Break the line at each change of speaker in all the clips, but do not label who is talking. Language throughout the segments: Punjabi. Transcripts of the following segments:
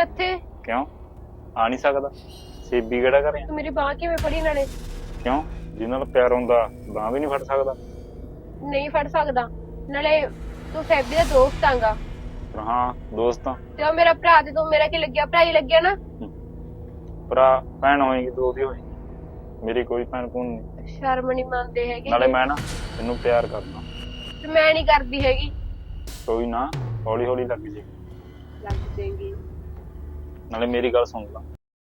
ਇੱਥੇ?
ਕਿਉਂ ਆ ਨਹੀਂ ਸਕਦਾ? ਸੇਬੀ ਕਿਹੜਾ ਕਰੇ?
ਤੂੰ ਮੇਰੀ ਬਾਂਹ ਕਿਵੇਂ ਫੜੀ ਨਾਲੇ?
ਕਿਉਂ ਜਿਹਨਾਂ ਨਾਲ ਪਿਆਰ ਹੁੰਦਾ ਬਾਂਹ ਵੀ ਨਹੀਂ ਫੜ ਸਕਦਾ?
ਨਹੀਂ ਫੜ ਸਕਦਾ। ਨਾਲੇ ਤੂੰ ਸੈਬੀ ਦਾ ਦੋਸਤ ਆਂਗਾ।
ਪਰ ਹਾਂ ਦੋਸਤ ਆ।
ਤੇ ਉਹ ਮੇਰਾ ਭਰਾ, ਤੇ ਤੂੰ ਮੇਰਾ ਕੀ ਲੱਗਿਆ? ਭਰਾ ਹੀ ਲੱਗਿਆ ਨਾ।
ਭਰਾ ਭੈਣ ਹੋਏਗੀ ਤੂੰ ਉਹਦੀ ਹੋਏਗੀ, ਮੇਰੀ ਕੋਈ ਭੈਣ ਭੂਣ ਨਹੀਂ।
ਸ਼ਰਮ ਨਹੀਂ ਮੰਨਦੇ ਹੈਗੇ।
ਨਾਲੇ ਮੈਂ ਨਾ ਤੈਨੂੰ ਪਿਆਰ ਕਰਦਾ।
ਤੇ ਮੈਂ ਨਹੀਂ ਕਰਦੀ ਹੈਗੀ।
ਕੋਈ ਨਾ ਹੌਲੀ ਹੌਲੀ ਲੱਗ ਜੇ।
ਲੱਗ ਜਾਏਗੀ।
ਨਾਲੇ ਮੇਰੀ ਗੱਲ ਸੁਣ ਲਾ।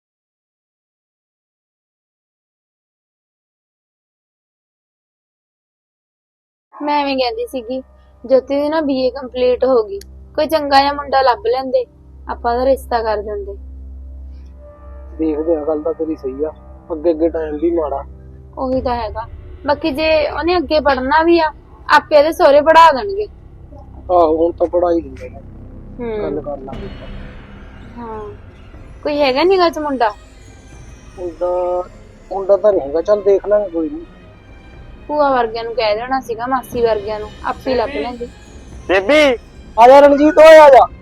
ਮੈਂ ਐਵੇਂ ਕਹਿੰਦੀ ਸੀਗੀ, ਜੋਤੀ ਦੀ ਨਾ BA ਕੰਪਲੀਟ ਹੋ ਗਈ, ਕੋਈ ਚੰਗਾ ਜਿਹਾ ਮੁੰਡਾ ਲੱਭ ਲੈਂਦੇ, ਆਪਾਂ ਦਾ ਰਿਸ਼ਤਾ ਕਰ ਦਿੰਦੇ।
ਦੇਖਦੇ ਆ, ਗੱਲ ਤਾਂ ਤੇਰੀ ਸਹੀ ਆ, ਅੱਗੇ ਅੱਗੇ ਟਾਈਮ ਵੀ ਮਾੜਾ।
ਉਹੀ ਤਾਂ ਹੈਗਾ। ਬਾਕੀ ਜੇ ਉਹਨੇ ਅੱਗੇ ਪੜ੍ਹਨਾ ਵੀ ਆ, ਆਪੇ ਇਹਦੇ ਸਹੁਰੇ ਪੜ੍ਹਾ ਦੇਣਗੇ।
ਆਹੋ ਹੁਣ ਤਾਂ ਪੜਾਈ ਦਿੰਦੇ ਨੇ, ਗੱਲ ਕਰ ਲਾਂਗੇ।
ਹਾਂ, ਕੋਈ ਹੈਗਾ ਨੀਗਾ ਚ ਮੁੰਡਾ?
ਮੁੰਡਾ ਤਾਂ ਨਹੀਂ ਹੈਗਾ, ਚੱਲ ਦੇਖ ਲਾਂਗੇ, ਕੋਈ ਨਹੀਂ।
ਭੂਆ ਵਰਗਿਆਂ ਨੂੰ ਕਹਿ ਦੇਣਾ ਸੀਗਾ, ਮਾਸੀ ਵਰਗਿਆਂ ਨੂੰ, ਆਪੇ ਲੱਭ ਲੈਂਦੇ।
ਬੇਬੀ
ਆ ਜਾ ਰਣਜੀਤ, ਓਏ ਆ ਜਾ।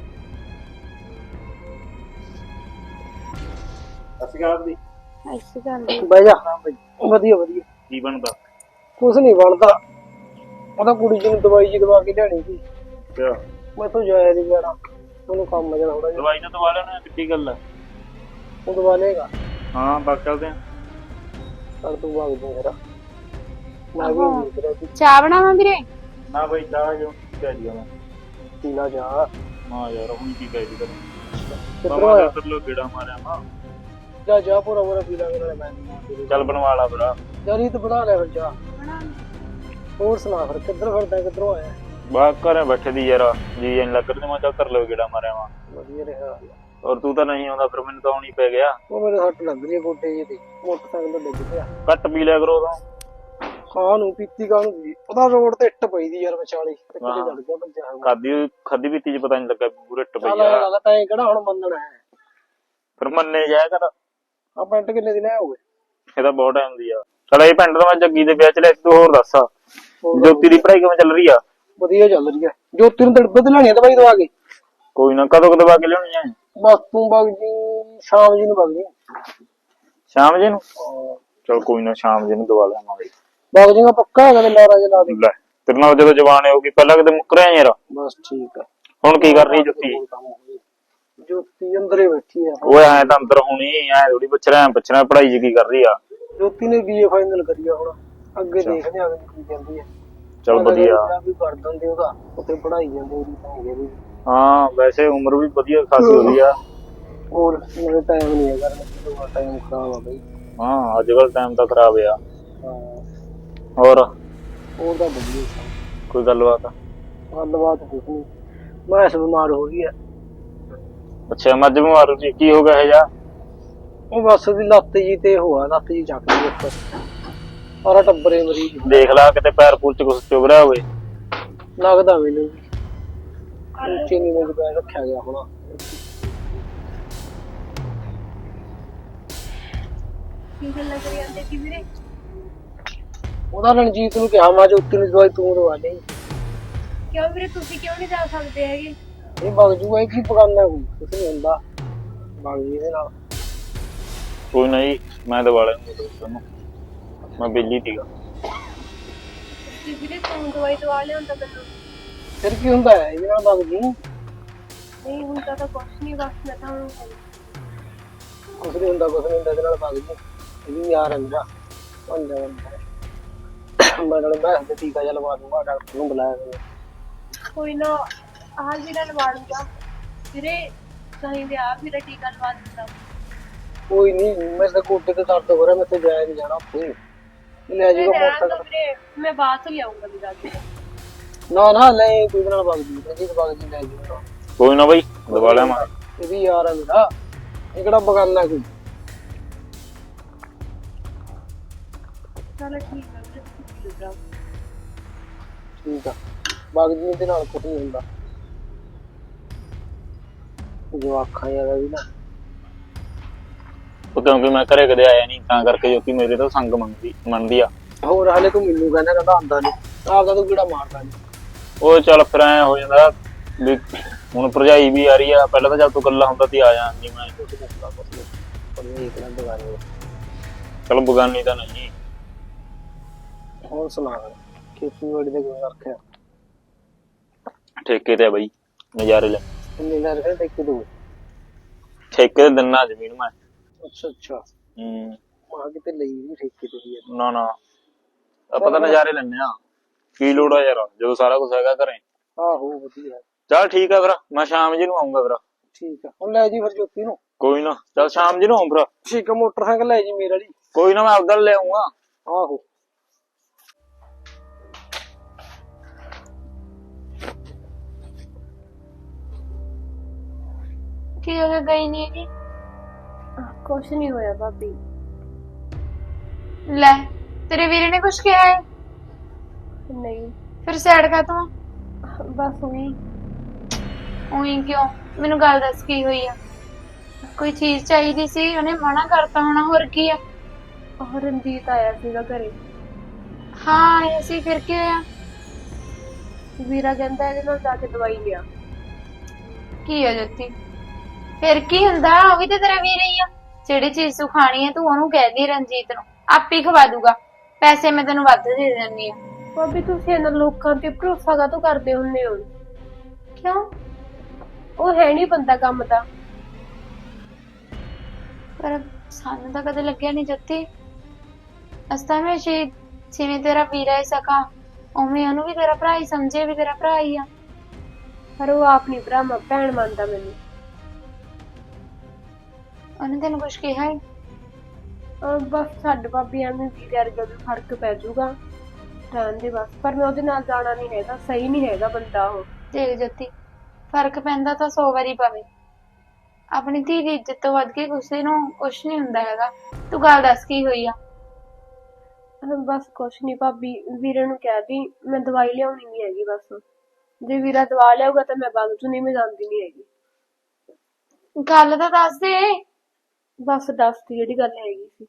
ਅਸੀਂ ਕਰਦੀ
ਅੱਛੀ ਗੱਲ ਹੈ।
ਬਹਿ ਜਾ। ਵਧੀਆ ਵਧੀਆ।
ਕੀ ਬਣਦਾ?
ਕੁਛ ਨਹੀਂ ਬਣਦਾ, ਉਹਦਾ ਕੁੜੀ ਜੀ ਨੂੰ ਦਵਾਈ ਜੀ ਦਵਾ ਕੇ ਲਿਆਣੀ ਸੀ।
ਕਿਆ
ਮੈਂ ਤੋਂ ਜਾਇਆ ਨਹੀਂ ਜਾਣਾ, ਉਹਨੂੰ ਕੰਮ ਜਣਾ ਥੋੜਾ ਜਿਹਾ।
ਦਵਾਈ ਨਾ ਦਵਾ ਲੈਣਾ, ਕਿੱਡੀ ਗੱਲ ਆ?
ਉਹ ਦਵਾ ਲੇਗਾ।
ਹਾਂ ਬਾਕ ਚੱਲਦੇ ਆ।
ਚੱਲ ਤੂੰ ਵਗ ਜਾ ਮੇਰਾ, ਮੈਂ ਵੀ ਉਮੀਦ ਰਹੀ।
ਚਾਹ ਬਣਾਵਾਂ ਵੀਰੇ?
ਨਾ ਬਈ ਚਾਹ ਕਿਉਂ ਕਹਿ ਦਿਆ ਮੈਂ?
ਪੀਣਾ ਜਾ।
ਹਾਂ ਯਾਰ ਹੁਣ ਕੀ ਕਹਿ ਦੀ ਤੈਨੂੰ?
ਕਿੱਧਰੋਂ ਆਇਆ?
ਲੋ ਗੇੜਾ ਮਾਰਿਆ ਮਾਂ।
ਜਾ ਜਾ ਪੂਰਾ ਪੂਰਾ ਪੀ ਲਾਂਗੇ ਨਾਲੇ ਮੈਂ।
ਚੱਲ ਬਣਵਾ ਲਾ ਭਰਾ।
ਜਰੀ ਤੇ ਬਣਾ ਲੈ ਫਿਰ ਜਾ। ਹੋਰ ਸੁਣਾ ਫਿਰ, ਕਿੱਧਰ ਫਿਰਦਾ, ਕਿੱਧਰੋਂ ਆਇਆ?
ਬਾਹਰ ਘਰੇ ਬੈਠੇ ਦੀ ਯਾਰ ਜੀ ਐਨ ਲੱਗ ਰਿਹਾ, ਮੈਂ ਚੱਲ ਕਰ ਲੋ ਗੇੜਾ ਮਾਰਿਆ ਮਾਂ।
ਵਧੀਆ ਰਿਹਾ।
ਔਰ ਤੂੰ ਤਾਂ ਨਹੀਂ ਆਉਂਦਾ, ਫਿਰ ਮੈਨੂੰ ਤਾਂ ਆਉਣੀ ਪੈ ਗਿਆ।
ਉਹ ਮੇਰੇ ਹੱਟ ਲੱਗ ਰਹੀ ਹੈ ਗੋਡੇ ਜਿਹੇ ਤੇ, ਮੋਟਰਸਾਈਕਲ ਤੋਂ ਡਿੱਗ ਪਿਆ।
ਘੱਟ ਪੀ ਲਿਆ ਕਰੋ ਉਦੋਂ।
ਕਾਹਨੂੰ ਪੀਤੀ, ਕਾਹਨੂੰ ਪੀ? ਉਹਦਾ ਰੋਡ ਤੇ ਇੱਟ ਪਈ ਦੀ ਯਾਰ ਵਿਚਾਲੀ, ਇੱਕ ਤੇ ਚੜ ਗਿਆ ਭੱਜਿਆ ਹੋਇਆ।
ਖਾਦੀ ਪੀਤੀ ਚ ਪਤਾ ਨਹੀਂ ਲੱਗਾ ਪੂਰੇ ਟੱਪ
ਚੱਲ
ਗਿਆ।
ਗੱਲ ਤਾਂ ਇਹ ਕਿਹੜਾ ਹੁਣ ਮੰਨਣਾ ਹੈ?
ਫਿਰ ਮੰਨੇ ਜਾਇਆ ਕਰ।
ਆ ਪੈਂਟ ਕਿੰਨੇ ਦਿਨ ਆਇਆ ਹੋਵੇ?
ਇਹਦਾ ਬਹੁਤ ਟਾਈਮ ਦੀ ਆ। ਚਲ ਇਹ ਪਿੰਡ ਤੋਂ ਮੈਂ ਜੱਗੀ ਦੇ ਵਿਆਹ ਚ ਲੈ, ਤੂੰ ਹੋਰ ਦੱਸ ਜੋਤੀ ਦੀ ਪੜ੍ਹਾਈ ਕਿਵੇਂ ਚੱਲ ਰਹੀ ਆ?
ਵਧੀਆ ਚੱਲ ਰਹੀ ਹੈ। ਜੋਤੀ ਨੂੰ ਤੜਪੇ ਤੇ ਲੈਣੀ ਆ ਦਵਾਈ ਦਵਾ ਕੇ।
ਕੋਈ ਨਾ, ਕਦੋਂ ਦਵਾ ਕੇ ਲਿਆਉਣੀ ਆ?
ਬਸ ਤੂੰ ਵਗ ਜੀ, ਸ਼ਾਮ ਜੀ ਨੂੰ ਵਗ ਜੀ।
ਸ਼ਾਮ ਜੇ ਨੂੰ? ਚਲ ਕੋਈ ਨਾ, ਸ਼ਾਮ ਜੇ ਨੂੰ ਦਵਾ ਲਿਆਵਾਂਗੇ।
ਵਗ ਜਾਏਗਾ ਪੱਕਾ ਹੈਗਾ ਤੇ ਲਾਰਾ ਜਿਹਾ ਲਾ ਦੇ।
ਲੈ ਤੇਰੇ ਨਾਲ ਜਦੋਂ ਜਵਾਨ ਹੋਊਗੀ, ਪਹਿਲਾਂ ਕਿਤੇ ਮੁੱਕ ਰਿਹਾ ਯਾਰ।
ਬਸ ਠੀਕ ਆ।
ਹੁਣ ਕੀ ਕਰ ਰਹੀ ਜੋਤੀ?
ਜੋਤੀ ਅੰਦਰੇ ਬੈਠੀ ਆ।
ਓਏ ਐ ਤਾਂ ਅੰਦਰ ਹੋਣੀ, ਐ ਥੋੜੀ ਪੁੱਛਣਾ ਪੜ੍ਹਾਈ ਚ ਕੀ ਕਰ ਰਹੀ ਆ?
ਜੋਤੀ ਨੇ BA ਫਾਈਨਲ ਕਰੀ ਆ, ਹੁਣ ਅੱਗੇ ਦੇਖਦੇ ਆ ਕੀ ਕਹਿੰਦੀ ਹੈ।
ਚਲ ਵਧੀਆ।
ਵੀ ਕਰ ਦਿੰਦੇ ਉਹਦਾ, ਉੱਥੇ ਪੜਾਈ ਜਾਂਦੇ ਉਹਦੀ ਤਾਂ ਵੀ।
ਹਾਂ ਵੈਸੇ ਉਮਰ ਵੀ ਵਧੀਆ ਖਾਸੀ ਹੋ ਗਈ ਆ।
ਹੋਰ ਮੇਰੇ ਟਾਈਮ ਨਹੀਂ ਹੈਗਾ, ਟਾਈਮ ਖਰਾਬ ਆ ਬਈ।
ਹਾਂ ਅੱਜ ਕੱਲ ਟਾਈਮ ਤਾਂ ਖਰਾਬ ਆ।
ਹਾਂ
ਹੋਰ
ਹੋਰ ਤਾਂ ਵਧੀਆ।
ਕੋਈ ਗੱਲਬਾਤ?
ਗੱਲਬਾਤ ਕੁਛ ਨਹੀਂ, ਮੈਂ ਬਿਮਾਰ ਹੋ ਗਈ ਆ।
ਅੱਛਾ ਮੱਝ ਬਿਮਾਰ ਸੀ, ਕੀ ਹੋ ਗਿਆ ਇਹ ਜਾ?
ਉਹ ਬਸ ਦੀ ਲੱਤ ਜੀ ਤੇ ਹੋਆ, ਲੱਤ ਜੀ ਚੱਕ ਲਈ ਉੱਪਰ, ਸਾਰਾ ਟੱਬਰੇ ਮਰੀਜ਼।
ਦੇਖ ਲਾ ਕਿਤੇ ਪੈਰ ਪੂਰ ਚ ਕੁਛ ਚੁਭ ਰਿਹਾ ਹੋਵੇ।
ਲੱਗਦਾ ਮੈਨੂੰ ਵੀ ਉੱਚੇ ਨੀਵੇਂ ਚ ਪੈਰ ਰੱਖਿਆ ਗਿਆ ਹੋਣਾ।
ਕੀ ਗੱਲਾਂ ਕਰੀ ਜਾਂਦੇ ਕੀ ਵੀਰੇ?
ਉਹਦਾ ਰਣਜੀਤ ਨੂੰ ਕਿਹਾ, ਮੈਂ ਜੋਤੀ ਨੂੰ ਦਵਾਈ ਤੂੰ ਦਵਾ ਲਈ।
ਕਿਉਂ ਵੀਰੇ, ਤੁਸੀਂ ਕਿਉਂ ਨਹੀਂ ਜਾ ਸਕਦੇ ਹੈਗੇ?
ਇਹ ਵਗ ਜੂਗਾ, ਇਹ ਕੀ ਪਕਾਨਾ, ਕੋਈ ਕੁਛ ਨਹੀਂ ਹੁੰਦਾ, ਵਗ ਜੀ ਇਹਦੇ ਨਾਲ।
ਕੋਈ ਨਹੀਂ ਮੈਂ ਦਵਾ ਲੈਂਗਾ ਦੋਸਤ ਨੂੰ, ਮੈਂ ਬਿੱਲੀ ਸੀਗਾ।
ਤੁਸੀਂ ਵੀਰੇ ਤੂੰ ਦਵਾਈ ਦਵਾ ਲਿਆਉਂਦਾ ਮੈਨੂੰ।
ਫਿਰ ਕੀ ਹੁੰਦਾ ਹੈ, ਇਹਦੇ ਨਾਲ ਵਗ ਜੀ।
ਨਹੀਂ ਹੁੰਦਾ ਤਾਂ ਕੁਛ ਨਹੀਂ, ਬਸ ਮੈਂ ਤਾਂ ਹੁਣ
ਕੁਛ ਨਹੀਂ ਹੁੰਦਾ, ਕੁਛ ਨਹੀਂ ਹੁੰਦਾ, ਇਹਦੇ ਨਾਲ ਵਗ ਜੀ। ਇਹ ਵੀ ਯਾਰ ਹੈ ਮੇਰਾ, ਬੰਦਾ ਮੈਂ ਨਾਲੇ ਮੈਂ ਤੇ ਟੀਕਾ ਜਿਹਾ ਲਵਾ ਦੂੰਗਾ, ਡਾਕਟਰ ਨੂੰ ਬੁਲਾਇਆ ਹੋਇਆ।
ਕੋਈ ਨਾ, ਆਹ ਵੀਰਾ ਲਵਾ ਲੂੰਗਾ ਵੀਰੇ, ਚਾਹੀਦੇ ਆ ਵੀਰਾ ਟੀਕਾ ਲਵਾ ਦਿੰਦਾ।
ਕੋਈ ਨਹੀਂ, ਮੇਰੇ ਤਾਂ ਗੋਡੇ ਤੇ ਦਰਦ ਹੋ ਰਿਹਾ, ਮੈਂ ਤੇ ਜਾਇਆ ਨਹੀਂ ਜਾਣਾ ਉੱਥੇ, ਲੈ ਜਾਊਗਾ ਮੋਟਰਸਾਈਕਲ।
ਵੀਰੇ ਮੈਂ ਬਾਅਦ ਚ ਲਿਆਉਂਗਾ ਵੀਰਾ ਜੀ।
ਨਾ ਨਾ ਲੈ, ਕੋਈ ਨਾਲ ਵਗ ਜੀ, ਰਣਜੀਤ ਵਗ ਜੀ, ਲੈ ਜਾਊਗਾ।
ਕੋਈ ਨਾ ਬਈ ਦਵਾ ਲਿਆਵਾਂ।
ਇਹ ਵੀ ਯਾਰ ਹੈ ਮੇਰਾ, ਇਹ ਕਿਹੜਾ ਬਗਾਨਾ ਕੋਈ।
ਚਲੋ ਠੀਕ ਹੈ ਵੀਰੇ, ਤੁਸੀਂ ਜਾਓ।
ਠੀਕ ਆ, ਵਗ ਜੀ, ਇਹਦੇ ਨਾਲ ਕੁਛ ਨਹੀਂ ਹੁੰਦਾ। ਜਵਾਖਾਂ ਯਾਰ ਵੀ ਨਾ,
ਉਹ ਕਿਉਂਕਿ ਮੈਂ ਘਰੇ ਕਦੇ ਆਇਆ ਨਹੀਂ, ਤਾਂ ਕਰਕੇ ਜੋਤੀ ਮੇਰੇ ਤੋਂ ਸੰਗ ਮੰਨਦੀ ਆ।
ਹੋਰ ਹਾਲੇ ਤੂੰ ਮੈਨੂੰ ਕਹਿੰਦਾ ਆਂਦਾ ਨਹੀਂ, ਆਪਦਾ ਤੂੰ ਕਿਹੜਾ ਮਾਰਦਾ ਨਹੀਂ।
ਉਹ ਚੱਲ ਫਿਰ ਐ ਹੋ ਜਾਂਦਾ, ਵੀ ਹੁਣ ਭਰਜਾਈ ਵੀ ਆ ਰਹੀ ਆ, ਪਹਿਲਾਂ ਤਾਂ ਜਦ ਤੂੰ ਇਕੱਲਾ ਹੁੰਦਾ ਸੀ ਆ ਜਾਂਦੀ ਮੈਂ।
ਕੁਛ ਦੱਸਦਾ ਕੁਛ ਨੀ। ਪਰ ਇਹ ਕਿਹੜਾ ਬਗਾਨੇ
ਚਲ ਬਗਾਨੀ ਤਾਂ ਨਹੀਂ।
ਹੋਰ ਸੁਣਾ ਖੇਤੀਬਾੜੀ ਦੇ ਕੋਈ ਰੱਖਿਆ
ਠੇਕੇ ਤੇ ਆ ਬਈ, ਨਜ਼ਾਰੇ ਲੈ।
ਕਿੰਨੇ ਲੈ ਰਹੇ ਤੇ ਕਿਦੋਂ
ਠੇਕੇ ਤੇ ਦਿਨਾ ਜ਼ਮੀਨ ਮੈਂ।
ਅੱਛਾ ਮਾਂ ਕਿਤੇ ਲਈ ਵੀ ਠੇਕੇ ਤੇ ਵੀ
ਨਾ ਨਾ, ਆਪਾਂ ਤਾਂ ਨਜ਼ਾਰੇ ਲੈਣੇ ਆ। ਕੀ ਲੋੜ ਆ ਯਾਰ, ਜਦੋਂ ਸਾਰਾ ਕੁਝ ਹੈਗਾ ਘਰੇ।
ਆਹੋ ਵਧੀਆ
ਚੱਲ ਠੀਕ ਆ ਫਿਰ, ਮੈਂ ਸ਼ਾਮ ਜੀ ਨੂੰ ਆਉਂਗਾ ਫਿਰ।
ਠੀਕ ਆ ਹੁਣ ਲੈ ਜੀ ਫਿਰ ਜੋਤੀ ਨੂੰ।
ਕੋਈ ਨਾ, ਚੱਲ ਸ਼ਾਮ ਜੀ ਨੂੰ ਆਉਂ ਫਿਰ।
ਠੀਕ ਆ ਮੋਟਰਸਾਈਕਲ ਲੈ ਜੀ ਮੇਰਾ ਜੀ।
ਕੋਈ ਨਾ, ਮੈਂ ਆਪਦਾ ਲੈ ਆਉਂਗਾ।
ਆਹੋ
ਕੀ ਹੋ ਗਿਆ, ਗਈ ਨਹੀਂ ਹੈਗੀ?
ਕੁਛ ਨਹੀਂ ਹੋਇਆ ਭਾਬੀ।
ਲੈ, ਤੇਰੇ ਵੀਰੇ ਨੇ ਕੁਛ ਕਿਹਾ ਹੈ?
ਨਹੀਂ,
ਫਿਰ ਸਾਈਡ ਕਾ ਤੂੰ?
ਬਸ ਉਹੀ
ਉਹੀ ਕਿਉਂ? ਮੈਨੂੰ ਗੱਲ ਦੱਸ ਕੀ ਹੋਈ ਆ? ਕੋਈ ਚੀਜ਼ ਚਾਹੀਦੀ ਸੀ, ਉਹਨੇ ਮਨਾ ਕਰਤਾ ਹੋਣਾ, ਹੋਰ ਕੀ ਆ?
ਉਹ ਰਣਜੀਤ ਆਇਆ ਸੀਗਾ ਘਰੇ।
ਹਾਂ ਆਇਆ ਸੀ, ਫਿਰ ਕੀ ਹੋਇਆ?
ਵੀਰਾ ਕਹਿੰਦਾ ਇਹਦੇ ਨਾਲ ਜਾ ਕੇ ਦਵਾਈ ਲਿਆ।
ਕੀ ਆ ਜੋਤੀ? ਫਿਰ ਕੀ ਹੁੰਦਾ, ਉਹ ਵੀ ਤੇ ਤੇਰਾ ਵੀਰ ਹੀ ਆ। ਜਿਹੜੀ ਚੀਜ਼ ਤੂੰ ਖਾਣੀ ਹੈ ਤੂੰ ਉਹਨੂੰ ਕਹਿ ਦੀ ਰਣਜੀਤ ਨੂੰ, ਆਪੇ ਖਵਾ ਦੂਗਾ। ਪੈਸੇ ਮੈਂ ਤੈਨੂੰ ਵੱਧ ਦੇ ਦਿੰਦੀ ਆ।
ਭਾਬੀ ਤੁਸੀਂ ਇਹਨਾਂ ਲੋਕਾਂ ਤੇ ਭਰੋਸਾ ਕਾਹਤੋਂ ਕਰਦੇ ਹੁੰਦੇ ਹੋ?
ਕਿਉਂ?
ਉਹ ਹੈ ਨਹੀਂ ਬੰਦਾ ਕੰਮ ਦਾ।
ਪਰ ਸਾਨੂੰ ਤਾਂ ਕਦੇ ਲੱਗਿਆ ਨਹੀਂ ਜੋਤੀ। ਅਸਤਾ ਮੈਂ ਜਿਵੇਂ ਤੇਰਾ ਵੀਰ ਹੈ ਸਕਾ, ਉਵੇਂ ਉਹਨੂੰ ਵੀ ਤੇਰਾ ਭਰਾ ਹੀ ਸਮਝੇ, ਵੀ ਤੇਰਾ ਭਰਾ ਹੀ ਆ।
ਪਰ ਉਹ ਆਪ ਨਹੀਂ ਭੈਣ ਮੰਨਦਾ ਮੈਨੂੰ।
ਉਹਨੇ ਤੈਨੂੰ ਕੁਛ ਕਿਹਾ ਹੈ?
ਬਸ ਛੱਡ ਭਾਬੀ, ਐਵੇਂ ਵੀਰੇ ਵਰਗਾ ਵੀ ਫਰਕ ਪੈ ਜਾਊਗਾ, ਰਹਿਣ ਦੇ ਬਸ। ਪਰ ਮੈਂ ਉਹਦੇ ਨਾਲ ਜਾਣਾ ਨਹੀਂ ਹੈਗਾ, ਸਹੀ ਨਹੀਂ ਹੈਗਾ ਬੰਦਾ ਉਹ।
ਦੇਖ ਜੋਤੀ, ਫਰਕ ਪੈਂਦਾ ਤਾਂ 100 ਵਾਰੀ ਪਵੇ। ਆਪਣੀ ਧੀ ਦੀ ਇੱਜ਼ਤ ਤੋਂ ਵੱਧ ਕੇ ਕਿਸੇ ਨੂੰ ਕੁਛ ਨਹੀਂ ਹੁੰਦਾ ਹੈਗਾ। ਤੂੰ ਗੱਲ ਦੱਸ ਕੀ ਹੋਈ ਆ?
ਬਸ ਕੁਛ ਨਹੀਂ ਭਾਬੀ, ਵੀਰੇ ਨੂੰ ਕਹਿ ਦੀ ਮੈਂ ਦਵਾਈ ਲਿਆਉਣੀ ਨਹੀਂ ਹੈਗੀ ਬਸ। ਜੇ ਵੀਰਾ ਦਵਾ ਲਿਆਊਗਾ ਤਾਂ ਮੈਂ ਬਾਗ ਚੋਂ ਨਹੀਂ, ਮੈਂ ਜਾਂਦੀ ਨਹੀਂ ਹੈਗੀ।
ਗੱਲ ਤਾਂ ਦੱਸ ਦੇ।
ਬਸ ਦੱਸਦੀ ਜਿਹੜੀ ਗੱਲ ਹੈਗੀ ਸੀ।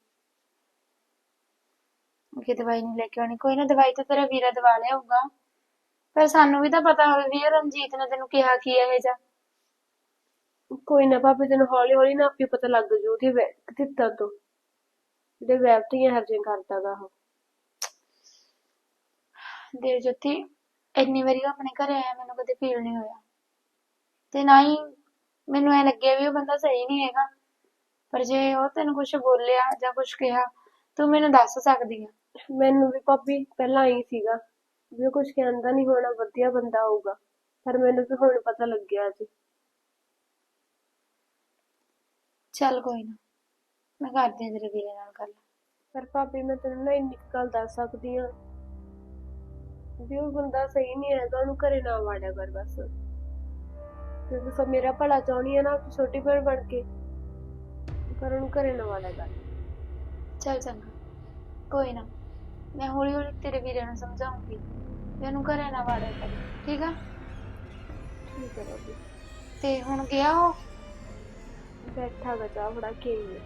ਕਿ ਦਵਾਈ ਨਹੀਂ ਲੈ ਕੇ ਆਉਣੀ, ਕੋਈ ਨਾ, ਦਵਾਈ ਤਾਂ ਤੇਰਾ ਵੀਰਾ ਦਵਾ ਲਿਆਊਗਾ। ਪਰ ਸਾਨੂੰ ਵੀ ਤਾਂ ਪਤਾ ਹੋਵੇ ਵੀ ਇਹ ਰਣਜੀਤ ਨੇ ਤੈਨੂੰ ਕਿਹਾ ਕੀ ਇਹ ਜਾ।
ਕੋਈ ਨਾ ਭਾਬੀ, ਤੈਨੂੰ ਹੌਲੀ ਹੌਲੀ ਨਾ ਆਪੇ ਪਤਾ ਲੱਗ ਜੂ ਉਹਦੇ ਕਿੱਦਾਂ ਤੋਂ, ਜਿਹੜੇ ਵੈਬਤੀਆਂ ਹਰਜੇ ਕਰਦਾਗਾ ਉਹ।
ਦੇਵ ਜੋਤੀ, ਇੰਨੀ ਵਾਰੀ ਉਹ ਆਪਣੇ ਘਰੇ ਆਇਆ, ਮੈਨੂੰ ਕਦੇ ਫੀਲ ਨਹੀਂ ਹੋਇਆ। ਤੇ ਨਾ ਹੀ ਮੈਨੂੰ ਐ ਲੱਗਿਆ ਵੀ ਉਹ ਬੰਦਾ ਸਹੀ ਨਹੀਂ ਹੈਗਾ। ਪਰ ਜੇ ਉਹ ਤੈਨੂੰ ਕੁਛ ਬੋਲਿਆ ਜਾਂ ਕੁਛ ਕਿਹਾ, ਤੂੰ ਮੈਨੂੰ ਦੱਸ ਸਕਦੀ ਆ।
ਮੈਨੂੰ ਵੀ ਭਾਬੀ ਪਹਿਲਾਂ ਆਈ ਸੀਗਾ ਵੀ ਉਹ ਕੁਛ ਕਹਿੰਦਾ ਨਹੀਂ ਹੋਣਾ, ਵਧੀਆ ਬੰਦਾ ਹੋਊਗਾ। ਪਰ ਮੈਨੂੰ ਵੀ ਹੁਣ ਪਤਾ ਲੱਗਿਆ ਜੀ।
ਚੱਲ ਕੋਈ ਨਾ, ਮੈਂ ਕਰਦੀ ਆ ਤੇਰੇ ਵੀਰੇ ਨਾਲ ਗੱਲ।
ਪਰ ਭਾਬੀ ਮੈਂ ਤੈਨੂੰ ਨਾ ਇੰਨੀ ਕੁ ਗੱਲ ਦੱਸ ਸਕਦੀ ਆ ਵੀ ਉਹ ਬੰਦਾ ਸਹੀ ਨਹੀਂ ਹੈਗਾ, ਉਹਨੂੰ ਘਰੇ ਨਾ ਵਾੜਿਆ ਕਰ ਬਸ। ਕਿਉਂਕਿ ਸਭ ਮੇਰਾ ਭਲਾ ਚਾਹੁੰਦੀ ਆ ਨਾ, ਛੋਟੀ ਭੈਣ ਬਣ ਕੇ, ਪਰ ਉਹਨੂੰ ਘਰੇ ਨਾ ਵਾੜਿਆ ਕਰ।
ਚੱਲ ਚੰਗਾ, ਕੋਈ ਨਾ, ਮੈਂ ਹੌਲੀ ਹੌਲੀ ਤੇਰੇ ਵੀਰੇ ਨੂੰ ਸਮਝਾਉਂਗੀ ਵੀ ਉਹਨੂੰ ਘਰੇ ਨਾ ਵਾੜਿਆ ਕਰੇ, ਠੀਕ ਆ?
ਠੀਕ ਹੈ ਭਾਬੀ।
ਤੇ ਹੁਣ ਗਿਆ ਉਹ?
ਬੈਠਾ ਗਾ, ਚਾਹ ਫੜਾ ਕੇ ਆਈ ਹੈ।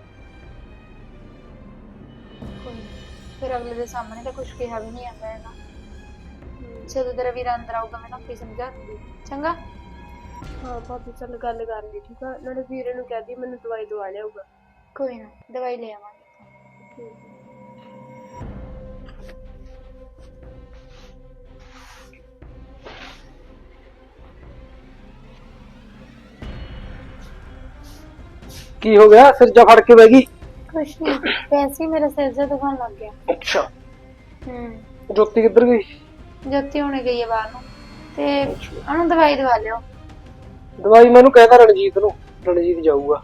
ਕੋਈ ਨਾ, ਫਿਰ ਅਗਲੇ ਦੇ ਸਾਹਮਣੇ ਤਾਂ ਕੁਛ ਕਿਹਾ ਵੀ ਨਹੀਂ ਜਾਂਦਾ ਹੈਗਾ। ਜਦੋਂ ਤੇਰਾ ਵੀਰਾ ਅੰਦਰ ਆਊਗਾ ਮੈਂ ਆਪੇ ਸਮਝਾ ਦੂੰਗੀ, ਚੰਗਾ?
ਹਾਂ ਭਾਬੀ ਚੱਲ ਗੱਲ ਕਰ ਲਈ, ਠੀਕ ਆ? ਨਾਲੇ ਵੀਰੇ ਨੂੰ ਕਹਿ ਦੀ ਮੈਨੂੰ ਦਵਾਈ ਦਵਾ ਲਿਆਊਗਾ।
ਕੋਈ ਨਾ, ਦਵਾਈ ਲੈ ਆਵਾਂਗੇ।
ਠੀਕ ਹੈ।
ਕੀ ਹੋ ਗਿਆ, ਸਿਰ ਜਾ ਫੜ ਕੇ ਬਹਿ ਗਈ?
ਕੁਛ ਨਹੀਂ, ਵੈਸੇ ਹੀ ਮੇਰਾ ਸਿਰ ਜਿਹਾ ਦੁਖਣ ਲੱਗ ਗਿਆ।
ਅੱਛਾ,
ਹੂੰ।
ਜੋਤੀ ਕਿੱਧਰ ਗਈ?
ਜੋਤੀ ਹੁਣੇ ਗਈ ਹੈ ਬਾਹਰ ਨੂੰ, ਤੇ ਉਹਨੂੰ ਦਵਾਈ ਦਵਾ ਲਿਓ।
ਦਵਾਈ ਮੈਨੂੰ ਕਹਿਦਾ ਰਣਜੀਤ ਨੂੰ, ਰਣਜੀਤ ਜਾਊਗਾ,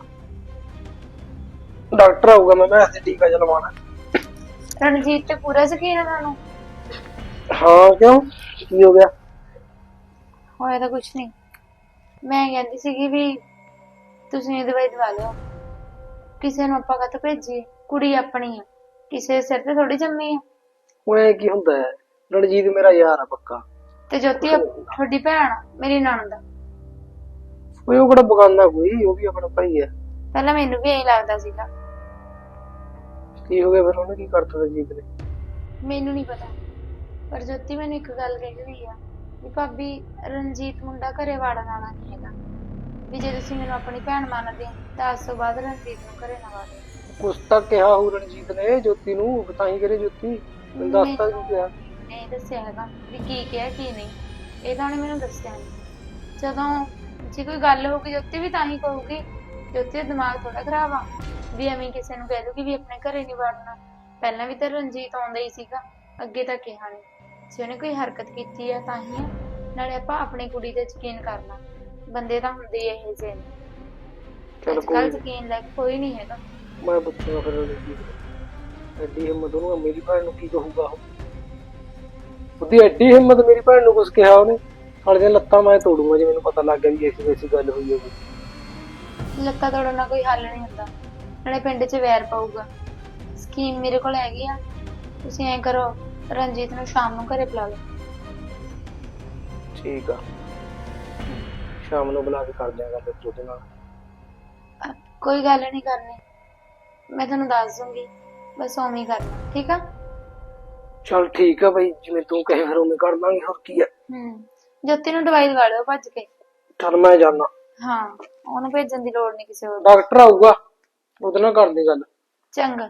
ਡਾਕਟਰ ਆਊਗਾ, ਮੈਂ ਤੇ ਟੀਕਾ ਜਿਹਾ ਲਵਾਉਣਾ।
ਰਣਜੀਤ ਤੇ ਪੂਰਾ ਯਕੀਨ ਹੈ ਤੁਹਾਨੂੰ?
ਹਾਂ, ਕਿਉਂ ਕੀ ਹੋ ਗਿਆ?
ਹੋਇਆ ਤਾਂ ਕੁਛ ਨਹੀਂ, ਮੈਂ ਕਹਿੰਦੀ ਸੀਗੀ ਵੀ ਤੁਸੀਂ ਇਹ ਦਵਾਈ ਦਵਾ ਲਿਓ। ਕਿਸੇ ਨੂੰ ਆਪਾਂ ਕਾਹਤੋਂ ਭੇਜੀਏ, ਕੁੜੀ ਆਪਣੀ ਆ, ਕਿਸੇ ਦੇ ਸਿਰ ਤੇ ਥੋੜੀ ਜੰਮੀ ਆ।
ਉਹ ਐ ਕੀ ਹੁੰਦਾ ਹੈ, ਰਣਜੀਤ ਮੇਰਾ ਯਾਰ ਆ ਪੱਕਾ।
ਤੇ ਜੋਤੀ ਤੁਹਾਡੀ ਭੈਣ ਆ, ਮੇਰੀ ਨਣਦ ਆ।
ਓਏ ਉਹ ਕਿਹੜਾ ਬਗਾਨਾ ਕੋਈ, ਉਹ ਵੀ ਆਪਣਾ ਭਾਈ ਹੈ।
ਪਹਿਲਾਂ ਮੈਨੂੰ ਵੀ ਇਹੀ ਲੱਗਦਾ ਸੀਗਾ।
ਕੀ ਹੋ ਗਿਆ ਫਿਰ, ਉਹਨੇ ਕੀ ਕਰਤਾ ਰਣਜੀਤ ਨੇ?
ਮੈਨੂੰ ਨਹੀਂ ਪਤਾ, ਪਰ ਜੋਤੀ ਮੈਨੂੰ ਇੱਕ ਗੱਲ ਕਹੀ ਹੋਈ ਆ ਵੀ ਭਾਬੀ ਰਣਜੀਤ ਮੁੰਡਾ ਘਰੇ ਵੜਨ ਵਾਲਾ ਨਹੀਂ ਹੈਗਾ, ਵੀ ਜੇ ਤੁਸੀਂ ਮੈਨੂੰ ਆਪਣੀ ਭੈਣ ਮੰਨਦੇ ਹੋ ਤਾਂ ਅੱਜ ਤੋਂ ਬਾਅਦ ਰਣਜੀਤ ਨੂੰ ਘਰੇ ਨਾ ਵਾੜਿਓ।
ਕੁਛ ਤਾਂ ਕਿਹਾ ਹੋ ਰਣਜੀਤ ਨੇ ਜੋਤੀ ਨੂੰ, ਤਾਂ ਹੀ ਕਰੇ ਜੋਤੀ ਤੈਨੂੰ ਦੱਸਤਾ ਕਿਉਂ ਕਿਹਾ?
ਨਹੀਂ ਦੱਸਿਆ ਹੈਗਾ ਵੀ ਕੀ ਕਿਹਾ ਕੀ ਨਹੀਂ, ਇਹ ਤਾਂ ਉਹਨੇ ਮੈਨੂੰ ਦੱਸਿਆ ਨਹੀਂ। ਜਦੋਂ ਜੇ ਕੋਈ ਗੱਲ ਹੋਊਗੀ ਜੋਤੀ ਵੀ ਤਾਂ ਹੀ ਕਹੂਗੀ, ਜੋਤੀ ਦਾ ਦਿਮਾਗ ਥੋੜਾ ਖਰਾਬ ਆ ਵੀ ਐਵੇਂ ਕਿਸੇ ਨੂੰ ਕਹਿ ਦੂਗੀ ਵੀ ਆਪਣੇ ਘਰੇ ਨਹੀਂ ਵੜਨਾ। ਪਹਿਲਾਂ ਵੀ ਤਾਂ ਰਣਜੀਤ ਆਉਂਦਾ ਹੀ ਸੀਗਾ, ਅੱਗੇ ਤਾਂ ਕਿਹਾ ਨਹੀਂ। ਜੇ ਉਹਨੇ ਕੋਈ ਹਰਕਤ ਕੀਤੀ ਆ ਤਾਂ ਹੀ ਆ, ਨਾਲੇ ਆਪਾਂ ਆਪਣੀ ਕੁੜੀ ਤੇ ਯਕੀਨ ਕਰਨਾ, ਬੰਦੇ ਤਾਂ ਹੁੰਦੇ ਹੀ ਇਹੋ ਜਿਹੇ ਨੇ।
ਚੱਲ
ਅੱਜ ਕੱਲ੍ਹ
ਕੋਈ
ਯਕੀਨ ਲਾਇਕ ਕੋਈ ਨਹੀਂ ਹੈਗਾ।
ਮੈਂ ਪੁੱਛੂਗਾ ਫਿਰ ਰਣਜੀਤ ਐਡੀ ਹਿੰਮਤ ਉਹਨੂੰ, ਮੇਰੀ ਭੈਣ ਨੂੰ ਕੀ ਕਹੂਗਾ ਉਹ? ਉਹਦੀ ਐਡੀ ਹਿੰਮਤ, ਮੇਰੀ ਭੈਣ ਨੂੰ ਕੁਛ ਕਿਹਾ ਉਹਨੇ? ਸਾਲੇ ਦੀਆਂ ਲੱਤਾਂ ਮੈਂ ਤੋੜੂੰਗਾ ਜੇ ਮੈਨੂੰ ਪਤਾ ਲੱਗ ਗਿਆ ਵੀ ਐਸੀ ਗੱਲ ਹੋਈ ਹੋਵੇ।
ਲੱਤਾਂ ਤੋੜਨ ਨਾਲ ਕੋਈ ਹੱਲ ਨਹੀਂ ਹੁੰਦਾ, ਨਾਲੇ ਪਿੰਡ 'ਚ ਵੈਰ ਪਊਗਾ। ਸਕੀਮ ਮੇਰੇ ਕੋਲ ਹੈਗੀ ਆ, ਤੁਸੀਂ ਐਂ ਕਰੋ ਰਣਜੀਤ ਨੂੰ ਸ਼ਾਮ ਨੂੰ ਘਰੇ ਬੁਲਾ ਲਓ।
ਠੀਕ ਆ, ਸ਼ਾਮ ਨੂੰ ਬੁਲਾ ਕੇ ਕਰ ਦਿਆਂਗਾ ਫਿਰ ਉਹਦੇ ਨਾਲ।
ਕੋਈ ਗੱਲ ਨਹੀਂ ਕਰਨੀ, ਮੈਂ ਤੁਹਾਨੂੰ ਦੱਸ ਦੂੰਗੀ, ਬਸ ਉਵੇਂ ਹੀ ਕਰਨਾ, ਠੀਕ ਆ?
ਚਲ ਠੀਕ ਆ ਬਈ, ਜਿਵੇਂ ਤੂੰ ਕਹੇ ਫਿਰ ਉਵੇਂ ਕਰ ਦਾਂਗੇ, ਹੋਰ ਕੀ ਆ।
ਜੋਤੀ ਨੂੰ ਦਵਾਈ ਦਵਾ ਲਿਓ ਭੱਜ ਕੇ।
ਚਲ ਮੈਂ ਜਾਣਾ,
ਹਾਂ, ਉਹਨੂੰ ਭੇਜਣ ਦੀ ਲੋੜ ਨਹੀਂ ਕਿਸੇ ਹੋਰ ਦੀ।
ਡਾਕਟਰ ਆਊਗਾ ਉਹਦੇ ਨਾਲ ਕਰਦੀ ਗੱਲ।
ਚੰਗਾ।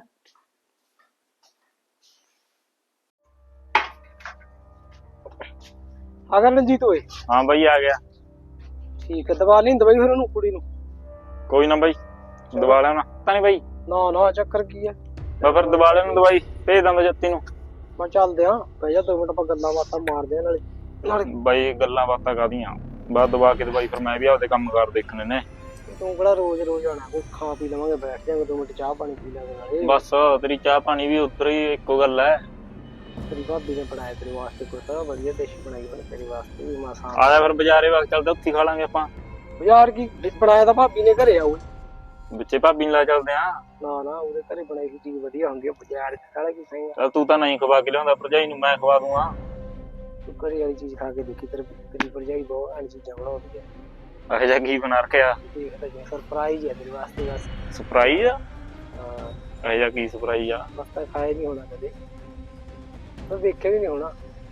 ਆ ਗਿਆ ਰਣਜੀਤ ਓਏ?
ਹਾਂ ਬਾਈ ਆ ਗਿਆ।
ਠੀਕ ਹੈ, ਦਵਾ ਲਈ ਦਵਾਈ ਫਿਰ ਉਹਨੂੰ, ਕੁੜੀ ਨੂੰ?
ਕੋਈ ਨਾ ਬਾਈ, ਦਵਾ ਲੈਣਾ ਤਾਂ ਨਹੀਂ ਬਾਈ।
ਨਾ ਨਾ, ਚੱਕਰ ਕੀ ਹੈ?
ਬਸ ਫਿਰ ਦਵਾ ਲੈਣ ਦਵਾਈ, ਭੇਜ ਦਾਂਦਾ ਜੱਤੀ ਨੂੰ।
ਮੈਂ ਚੱਲਦੇ ਆ, ਬਹਿ ਜਾ 2 ਮਿੰਟ, ਆਪਾਂ ਗੱਲਾਂ ਬਾਤਾਂ ਮਾਰਦੇ ਆ ਨਾਲੇ ਨਾਲੇ।
ਬਾਈ ਗੱਲਾਂ ਬਾਤਾਂ ਕਾਹਦੀਆਂ, ਬਾਅਦ ਦਵਾ ਕੇ ਦਵਾਈ ਫਿਰ ਮੈਂ ਵੀ ਆਪਦੇ ਕੰਮ ਕਾਰ ਦੇਖਣੇ ਨੇ।
ਤੂੰ ਕਿਹੜਾ ਰੋਜ਼ ਰੋਜ਼ ਆਣਾ? ਕੋਈ ਖਾ ਪੀ ਲਵਾਂਗੇ, ਬੈਠ ਜਾਵਾਂਗੇ 2 ਮਿੰਟ, ਚਾਹ ਪਾਣੀ ਪੀ ਲਾਂਗੇ ਨਾਲੇ।
ਬਸ ਤੇਰੀ ਚਾਹ ਪਾਣੀ ਵੀ ਉੱਧਰ ਹੀ ਇੱਕੋ ਗੱਲ ਹੈ।
ਤੇਰੀ ਭਾਬੀ ਨੇ ਬਣਾਇਆ ਤੇਰੇ ਵਾਸਤੇ ਕੁਛ ਤਾਂ ਵਧੀਆ ਡਿਸ਼ ਬਣਾਈ ਉਹਨੇ ਤੇਰੇ ਵਾਸਤੇ ਵੀ ਮਾਸਾ।
ਆ ਜਾ ਫਿਰ ਬਾਜ਼ਾਰੇ ਵਕਤ ਚੱਲਦੇ, ਉੱਥੇ ਖਾ ਲਾਂਗੇ ਆਪਾਂ।
ਯਾਰ ਕੀ ਬਣਾਇਆ ਤਾਂ ਭਾਬੀ ਨੇ ਘਰੇ ਆਉ।
ਵਿੱਚੇ ਭਾਬੀ ਨੂੰ ਲੈ ਚੱਲਦੇ ਆ।
ਨਾ ਨਾ, ਉਹਦੇ ਘਰੇ ਬਣਾਈ ਹੋਈ ਚੀਜ਼ ਵਧੀਆ ਹੁੰਦੀ ਆ, ਬਾਜ਼ਾਰ ਸਾਲਾ ਕੀ ਸਹੀ ਆ।
ਚੱਲ ਤੂੰ ਤਾਂ ਨਹੀਂ ਖਵਾ ਕੇ ਲਿਆਉਂਦਾ, ਭਰਜਾਈ ਨੂੰ ਮੈਂ ਖਵਾ ਦੂੰਗਾ।
ਤੂੰ ਘਰੇ ਵਾਲੀ ਚੀਜ਼ ਖਾ ਕੇ ਦੇਖੀ, ਤੇਰੀ ਭਰਜਾਈ ਬਹੁਤ ਐਨ ਚੀਜ਼ਾਂ ਬਣਾਉਂਦੀ ਆ।
ਇਹੋ ਜਿਹਾ ਕੀ ਬਣਾ ਰੱਖਿਆ?
ਦੇਖਦਾ ਜਾ, ਸਰਪ੍ਰਾਈਜ਼ ਹੈ ਤੇਰੇ ਵਾਸਤੇ ਬਸ।
ਸਰਪ੍ਰਾਈਜ਼ ਆ?
ਹਾਂ,
ਇਹੋ ਜਿਹਾ ਕੀ ਸਰਪ੍ਰਾਈਜ਼ ਆ?
ਬਸ ਤਾਂ ਖਾਇਆ ਨਹੀਂ ਹੋਣਾ ਕਦੇ, ਤਾਂ ਵੇਖਿਆ ਵੀ ਨਹੀਂ ਹੋਣਾ।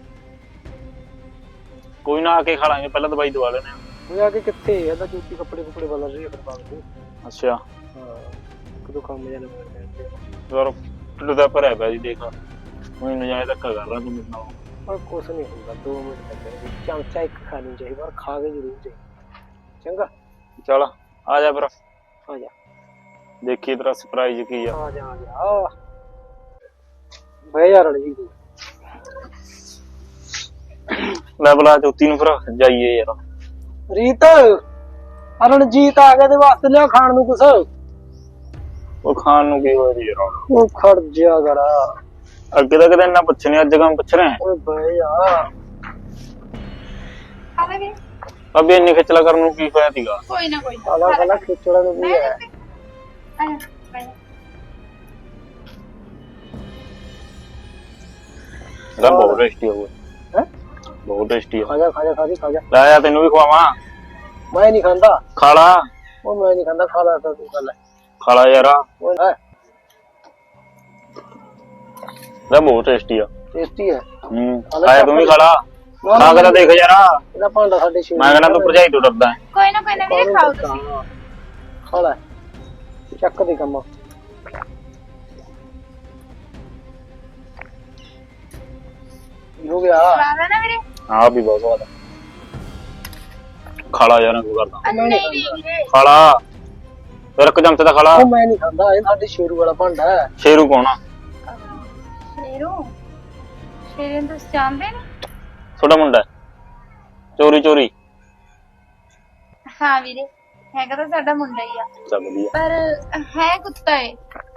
ਕੋਈ ਨਾ, ਆ ਕੇ ਖਾ ਲਾਂਗੇ, ਪਹਿਲਾਂ ਦਵਾਈ ਦਵਾ ਲੈਣੇ ਆ।
ਉਹ ਆ ਕੇ ਕਿੱਥੇ ਇਹਦਾ ਜੁੱਤੀ ਕੱਪੜੇ ਬਦਲ ਰਹੀ ਹੈ ਫਿਰ ਬਾਅਦ ਚ।
ਅੱਛਾ,
ਹਾਂ, ਕਦੋਂ ਕੰਮ ਜਾਣਾ ਮੈਂ
ਯਾਰ ਢਿੱਡ ਦਾ ਭਰਿਆ ਪਿਆ ਜੀ, ਦੇਖ ਮੈਨੂੰ ਨਜਾਇਜ਼ ਧੱਕਾ ਕਰ ਰਹਾ ਤੂੰ ਮੇਰੇ ਨਾਲ।
ਪਰ ਕੁਛ ਨਹੀਂ ਹੁੰਦਾ, 2 ਮਿੰਟ ਤੱਕ ਚਮਚਾ ਇੱਕ ਖਾਣੀ ਚਾਹੀਦੀ, ਪਰ ਖਾ ਕੇ ਜ਼ਰੂਰ ਚਾਹੀਦੀ। ਚੰਗਾ,
ਚੱਲ ਆ ਜਾ ਫਿਰ,
ਆ ਜਾ
ਦੇਖੀ ਤੇਰਾ ਸਰਪ੍ਰਾਈਜ਼ ਕੀ ਆ।
ਆ ਜਾ ਆ ਜਾ, ਬਹਿ ਜਾ ਰਣਜੀਤ।
ਲੈ ਬੁਲਾ ਜੋਤੀ ਨੂੰ, ਫਿਰ ਜਾਈਏ ਯਾਰ।
ਰੀਤ, ਰਣਜੀਤ ਆ ਗਿਆ, ਤੇ ਵਾਸਤੇ ਲਿਆ ਖਾਣ ਨੂੰ ਕੁਛ।
ਉਹ ਖਾਣ ਨੂੰ ਕੀ ਹੋਇਆ ਜੀ ਯਾਰ?
ਉਹ ਖੜ ਜਿਆ ਕਰਾ,
ਅੱਗੇ ਤਾਂ ਕਦੇ ਇੰਨਾ ਪੁੱਛ ਨੀ, ਅੱਜ ਕੰਮ ਪੁੱਛ ਰਿਹਾ।
ਓਏ ਬਹਿ ਜਾ।
ਆ ਲੈ ਵੀਰੇ।
ਅਬੇ ਇੰਨੀ ਖਿਚਲਾ ਕਰਨ ਨੂੰ ਕੀ ਹੋਇਆ ਸੀਗਾ?
ਕੋਈ ਨਾ ਕੋਈ
ਸਾਲਾ ਸਾਲਾ ਖਿਚੜਾ ਨੂੰ ਵੀ ਹੈ।
ਇਹਦਾ ਬਹੁਤ ਟੇਸਟੀ ਹੋਊਗਾ।
ਹੈ,
ਬਹੁਤ ਟੇਸਟੀ ਆ।
ਖਾ ਜਾ ਖਾ ਜਾ ਖਾ ਜਾ।
ਲੈ ਆ, ਤੈਨੂੰ ਵੀ ਖਵਾਵਾਂ।
ਮੈਂ ਨਹੀਂ ਖਾਂਦਾ।
ਖਾ ਲਾ।
ਉਹ ਮੈਂ ਨਹੀਂ ਖਾਂਦਾ, ਖਾ ਲਾ ਤਾਂ ਤੂੰ, ਖਾ ਲੈ।
ਖਾ ਲਾ ਯਾਰ,
ਓਏ ਹੈ
ਇਹਦਾ ਬਹੁਤ ਟੇਸਟੀ ਆ।
ਟੇਸਟੀ ਹੈ।
ਆਇਆ ਤੂੰ ਵੀ ਖਾ ਲਾ। ਖਾ ਕੇ ਤਾਂ ਦੇਖ ਯਾਰ,
ਇਹਦਾ ਭਾਂਡਾ ਸਾਡੇ ਸ਼ੇਰ।
ਮੈਂ ਕਹਿੰਦਾ ਤੂੰ ਭਰਜਾਈ ਤੋਂ ਡਰਦਾ ਹੈ।
ਕੋਈ ਨਾ ਵੀਰੇ, ਖਾਓ ਤੁਸੀਂ।
ਖਾ ਲੈ, ਚੱਕ ਦੇ ਕੰਮ। ਹੋ ਗਿਆ।
ਸਵਾਦ ਆ ਨਾ ਵੀਰੇ?
ਹਾਂ ਵੀ ਬਹੁਤ ਸਵਾਦ ਆ। ਖਾ ਲਾ ਯਾਰ, ਕੋਈ ਕਰਦਾ।
ਨਹੀਂ ਵੀਰੇ।
ਖਾ ਲਾ ਫਿਰ, ਇੱਕ ਚਮਚ ਤਾਂ ਖਾ ਲਾ।
ਉਹ ਮੈਂ ਨਹੀਂ ਖਾਂਦਾ, ਇਹ ਸਾਡੇ ਸ਼ੇਰੂ ਵਾਲਾ ਭਾਂਡਾ ਹੈ।
ਸ਼ੇਰੂ ਕੌਣ ਆ?
ਸ਼ੇਰੂ? ਸ਼ੇਰੂ ਨੂੰ ਤੁਸੀਂ ਜਾਣਦੇ ਨੀ?
ਛੋਟਾ ਮੁੰਡਾ ਹੈ। ਚੋਰੀ ਚੋਰੀ।
ਹਾਂ ਵੀਰੇ, ਹੈਗਾ ਤਾਂ ਸਾਡਾ ਮੁੰਡਾ ਹੀ ਆ,
ਚੱਲ ਵਧੀਆ।
ਪਰ ਹੈ ਕੁੱਤਾ ਏ।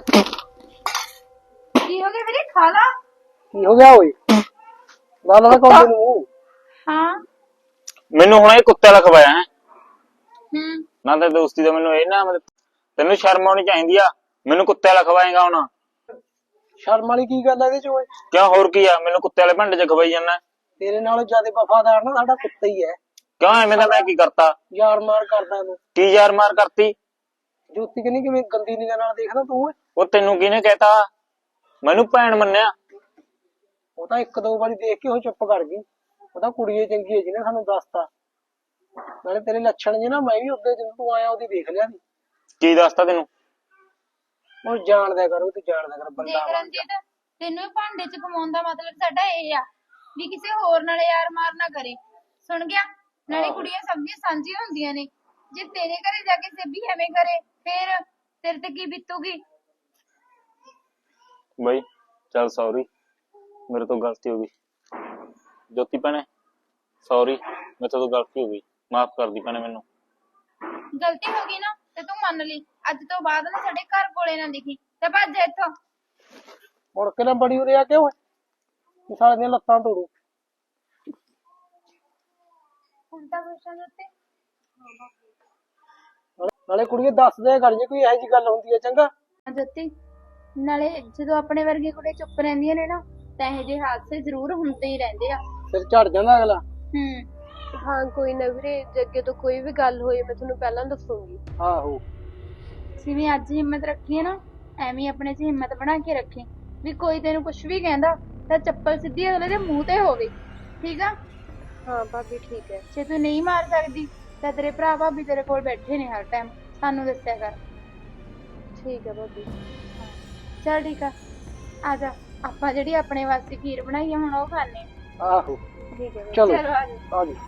ਕੀ ਹੋ ਗਿਆ ਵੀਰੇ, ਖਾ ਲਾ।
ਕੀ ਹੋ ਗਿਆ ਓਏ? ਨਾ ਨਾ ਕੌਣ ਨੂੰ?
ਹਾਂ।
ਮੈਨੂੰ ਹੁਣ ਇਹ ਕੁੱਤੇ ਵਾਲਾ ਖਵਾਇਆ ਹੈ
ਹੂੰ।
ਨਾ, ਤੇ ਦੋਸਤੀ ਦਾ ਮੈਨੂੰ ਇਹ ਨਾ, ਤੈਨੂੰ ਸ਼ਰਮ ਆਉਣੀ ਚਾਹੀਦੀ ਆ। ਮੈਨੂੰ ਕੁੱਤੇ ਵਾਲਾ ਖਵਾਏਗਾ ਹੁਣ?
ਸ਼ਰਮ ਵਾਲੀ ਕੀ ਗੱਲ ਹੈ ਇਹਦੇ ਚ ਓਏ?
ਕਿਉਂ, ਹੋਰ ਕੀ ਆ? ਮੈਨੂੰ ਕੁੱਤੇ ਵਾਲੇ ਭਾਂਡੇ ਚ ਖਵਾਈ ਜਾਂਦਾ।
ਤੇਰੇ ਨਾਲੋਂ ਜ਼ਿਆਦਾ ਵਫਾਦਾਰ ਨਾ ਸਾਡਾ ਕੁੱਤਾ ਹੀ ਹੈ।
ਕਿਉਂ, ਐਵੇਂ ਦਾ ਮੈਂ ਕੀ ਕਰਤਾ?
ਯਾਰ ਮਾਰ ਕਰਦਾ ਤੂੰ।
ਕੀ ਯਾਰ ਮਾਰ ਕਰਤੀ?
ਜੋਤੀ ਕਹਿੰਦੀ ਕਿਵੇਂ ਗੰਦੀ ਨਿਗਾਹ ਨਾਲ ਦੇਖਦਾ ਤੂੰ ਓਏ?
ਉਹ ਤੈਨੂੰ ਕਿਹਨੇ ਕਹਿਤਾ? ਮੈਨੂੰ ਭੈਣ ਮੰਨਿਆ?
ਉਹ ਤਾਂ 1-2 ਵਾਰੀ ਦੇਖ ਕੇ ਉਹ ਚੁੱਪ ਕਰ ਗਈ, ਉਹ ਤਾਂ ਕੁੜੀ ਈ ਚੰਗੀ ਹੈ ਜਿਹਨੇ ਸਾਨੂੰ ਦੱਸਤਾ। ਨਾਲੇ ਤੇਰੇ ਲੱਛਣ ਜੇ ਨਾ ਮੈਂ ਵੀ ਉੱਦੇ ਜਦੋਂ ਤੂੰ ਆਇਆ ਉਹਦੀ ਦੇਖ ਲਿਆ ਸੀ।
ਕੀ ਦੱਸਤਾ ਤੈਨੂੰ?
ਉਹ ਜਾਣਦਿਆ ਕਰ, ਉਹ ਤੂੰ ਜਾਣਦਿਆ ਕਰ ਬੰਦਾ
ਦੇਖ
ਬਣ ਜਾ।
ਰਣਜੀਤ, ਤੈਨੂੰ ਇਹ ਭਾਂਡੇ ਚ ਕਮਾਉਣ ਦਾ ਮਤਲਬ ਸਾਡਾ ਇਹ ਆ ਵੀ ਕਿਸੇ ਹੋਰ ਨਾਲ ਯਾਰ ਮਾਰ ਨਾ ਕਰੇ, ਸੁਣ ਗਿਆ? ਨਾਲੇ ਕੁੜੀਆਂ ਸਭ ਦੀਆਂ ਸਾਂਝੀਆਂ ਹੁੰਦੀਆਂ ਨੇ, ਜੇ ਤੇਰੇ ਘਰੇ ਜਾ ਕੇ ਸੇਬੀ ਐਵੇਂ ਕਰੇ ਫਿਰ ਤੇਰੇ ਤੇ ਕੀ ਬੀਤੂਗੀ?
ਬਈ ਚੱਲ ਸੌਰੀ, ਮੇਰੇ ਤੋਂ ਗਲਤੀ ਹੋ ਗਈ। ਜੋਤੀ ਭੈਣੇ ਸੌਰੀ, ਮੇਰੇ ਤੋਂ ਗਲਤੀ ਹੋ ਗਈ, ਮਾਫ ਕਰ ਦੀ ਭੈਣੇ ਮੈਨੂੰ।
ਗਲਤੀ ਹੋ ਗਈ ਨਾ ਤੇ ਤੂੰ ਮੰਨ ਲਈ, ਅੱਜ ਤੋਂ ਬਾਅਦ ਨਾ ਸਾਡੇ ਘਰ ਕੋਲੇ ਨਾ ਦਿਖੀ ਤੇ ਭੱਜ ਇੱਥੋਂ।
ਮੁੜ ਕੇ ਨਾ ਬੜੀ ਉਰੇ ਆ ਕੇ ਓਏ ਸਾਲੇ ਦੀਆਂ ਲੱਤਾਂ ਤੋੜੂ।
ਹੁਣ ਤਾਂ ਖੁਸ਼ਾਂ ਦੇ ਉੱਤੇ
ਨਾਲੇ ਕੁੜੀਏ ਦੱਸ ਦਿਆ ਕਰ ਜੇ ਕੋਈ ਇਹੋ ਜਿਹੀ ਗੱਲ ਹੁੰਦੀ ਹੈ ਚੰਗਾ।
ਜੋਤੀ, ਨਾਲੇ ਜਦੋਂ ਆਪਣੇ ਵਰਗੇ ਕੁੜੇ ਚੁੱਪ ਰਹਿੰਦੀਆਂ ਨੇ ਨਾ ਤਾਂ ਇਹੋ ਜਿਹੇ ਹਾਦਸੇ ਜ਼ਰੂਰ ਹੁੰਦੇ ਹੀ ਰਹਿੰਦੇ ਆ।
ਸਿਰ ਝੜ ਜਾਂਦਾ ਅਗਲਾ।
ਹਾਂ ਕੋਈ ਨਾ ਵੀਰੇ, ਜੇ ਅੱਗੇ ਤੋਂ ਕੋਈ ਵੀ ਗੱਲ ਹੋਈ ਮੈਂ ਤੁਹਾਨੂੰ ਪਹਿਲਾਂ ਦੱਸੂਗੀ।
ਆਹੋ
ਜਿਵੇਂ ਅੱਜ ਹਿੰਮਤ ਰੱਖੀ ਹੈ ਨਾ, ਐਵੇਂ ਹੀ ਆਪਣੇ 'ਚ ਹਿੰਮਤ ਬਣਾ ਕੇ ਰੱਖੀ ਵੀ ਕੋਈ ਤੈਨੂੰ ਕੁਝ ਵੀ ਕਹਿੰਦਾ ਤਾਂ ਚੱਪਲ ਸਿੱਧੀ ਅਗਲੇ ਦੇ ਮੂੰਹ ਤੇ ਹੋਵੇ, ਠੀਕ ਆ?
ਹਾਂ ਭਾਬੀ ਠੀਕ ਹੈ।
ਜੇ ਤੂੰ ਨਹੀਂ ਮਾਰ ਸਕਦੀ ਤਾਂ ਤੇਰੇ ਭਰਾ ਭਾਬੀ ਤੇਰੇ ਕੋਲ ਬੈਠੇ ਨੇ ਹਰ ਟਾਈਮ, ਸਾਨੂੰ ਦੱਸਿਆ ਕਰ।
ਠੀਕ ਹੈ ਭਾਬੀ।
ਚੱਲ ਠੀਕ ਆ ਜਾ, ਆਪਾਂ ਜਿਹੜੀ ਆਪਣੇ ਵਾਸਤੇ ਖੀਰ ਬਣਾਈ ਆ ਹੁਣ ਉਹ ਖਾਣੇ ਆ।
ਆਹੋ
ਠੀਕ ਹੈ ਭਾਬੀ।
ਚਲੋ
ਚਲੋ ਆ ਜਾ।
ਆ ਜੀ।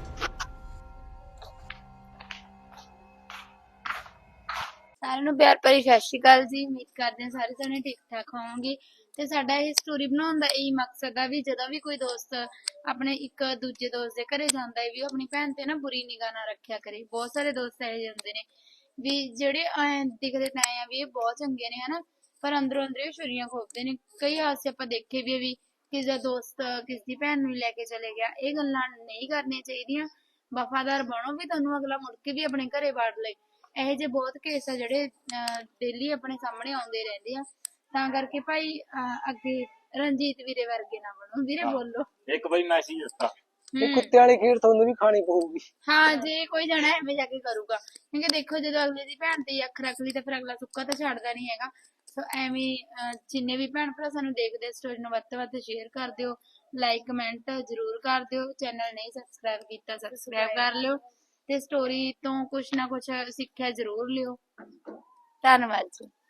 ਸਾਰਿਆਂ ਨੂੰ ਪਿਆਰ ਭਰੀ ਸਤਿ ਸ਼੍ਰੀ ਅਕਾਲ ਜੀ। ਉਮੀਦ ਕਰਦੇ ਹਾਂ ਸਾਰੇ ਜਣੇ ਠੀਕ ਠਾਕ ਹੋਵੋਗੇ ਤੇ ਸਾਡਾ ਇਹ ਸਟੋਰੀ ਬਣਾਉਣ ਦਾ ਇਹੀ ਮਕਸਦ ਆ ਵੀ ਜਦੋਂ ਵੀ ਕੋਈ ਦੋਸਤ ਆਪਣੇ ਇੱਕ ਦੂਜੇ ਦੋਸਤ ਦੇ ਘਰੇ ਜਾਂਦਾ ਹੈ ਵੀ ਉਹ ਆਪਣੀ ਭੈਣ ਤੇ ਨਾ ਬੁਰੀ ਨਿਗਾਹ ਨਾ ਰੱਖਿਆ ਕਰੇ। ਬਹੁਤ ਸਾਰੇ ਦੋਸਤ ਇਹੋ ਜਿਹੇ ਹੁੰਦੇ ਨੇ ਵੀ ਜਿਹੜੇ ਐਂ ਦਿਖਦੇ ਤਾਂ ਐਂ ਆ ਵੀ ਇਹ ਬਹੁਤ ਚੰਗੇ ਨੇ ਹਨਾ, ਪਰ ਅੰਦਰੋਂ ਅੰਦਰ ਇਹ ਛੁਰੀਆਂ ਖੋਪਦੇ ਨੇ। ਕਈ ਹਾਦਸੇ ਆਪਾਂ ਦੇਖੇ ਵੀ ਆ ਵੀ ਕਿਸੇ ਦਾ ਦੋਸਤ ਕਿਸੇ ਦੀ ਭੈਣ ਨੂੰ ਲੈ ਕੇ ਚਲੇ ਗਿਆ। ਇਹ ਗੱਲਾਂ ਨਹੀਂ ਕਰਨੀਆਂ ਚਾਹੀਦੀਆਂ। ਵਫਾਦਾਰ ਬਣੋ ਵੀ ਤੁਹਾਨੂੰ ਅਗਲਾ ਮੁੜ ਕੇ ਵੀ ਆਪਣੇ ਘਰੇ ਵੜ ਲਏ। ਇਹੋ ਜਿਹੇ ਬਹੁਤ ਕੇਸ ਆ ਜਿਹੜੇ ਡੇਲੀ ਆਪਣੇ ਸਾਹਮਣੇ ਆਉਂਦੇ ਰਹਿੰਦੇ ਆ। ਤਾਂ ਕਰਕੇ ਭਾਈ ਅੱਗੇ ਰਣਜੀਤ ਵੀਰੇ ਵਰਗੇ ਨਾ ਬਣੋ। ਵੀਰੇ ਬੋਲੋ
ਇੱਕ ਬਈ ਮੈਸੇਜ ਦਿੱਤਾ,
ਇਹ ਕੁੱਤੇ ਵਾਲੀ ਖੀਰ ਤੁਹਾਨੂੰ ਵੀ ਖਾਣੀ ਪਊਗੀ।
ਹਾਂ, ਜੇ ਕੋਈ ਜਣਾ ਐਵੇਂ ਜਾ ਕੇ ਕਰੂਗਾ, ਕਿਉਂਕਿ ਦੇਖੋ ਜਦੋਂ ਅਗਲੇ ਦੀ ਭੈਣ ਤੇ ਅੱਖ ਰੱਖ ਲਈ ਤਾਂ ਫਿਰ ਅਗਲਾ ਸੁੱਕਾ ਤਾਂ ਛੱਡਦਾ ਨਹੀਂ ਹੈਗਾ। ਸੋ ਐਵੇਂ ਜਿੰਨੇ ਵੀ ਭੈਣ ਭਰਾ ਸਾਨੂੰ ਦੇਖਦੇ ਸਟੋਰੀ ਨੂੰ ਵੱਧ ਤੋਂ ਵੱਧ ਸ਼ੇਅਰ ਕਰ ਦਿਓ, ਲਾਈਕ ਕਮੈਂਟ ਜ਼ਰੂਰ ਕਰ ਦਿਓ। ਚੈਨਲ ਨਹੀਂ ਸਬਸਕ੍ਰਾਈਬ ਕੀਤਾ ਸਬਸਕ੍ਰਾਈਬ ਕਰ ਲਿਓ ਤੇ ਸਟੋਰੀ ਤੋਂ ਕੁਛ ਨਾ ਕੁਛ ਸਿੱਖਿਆ ਜ਼ਰੂਰ ਲਿਓ। ਧੰਨਵਾਦ ਜੀ।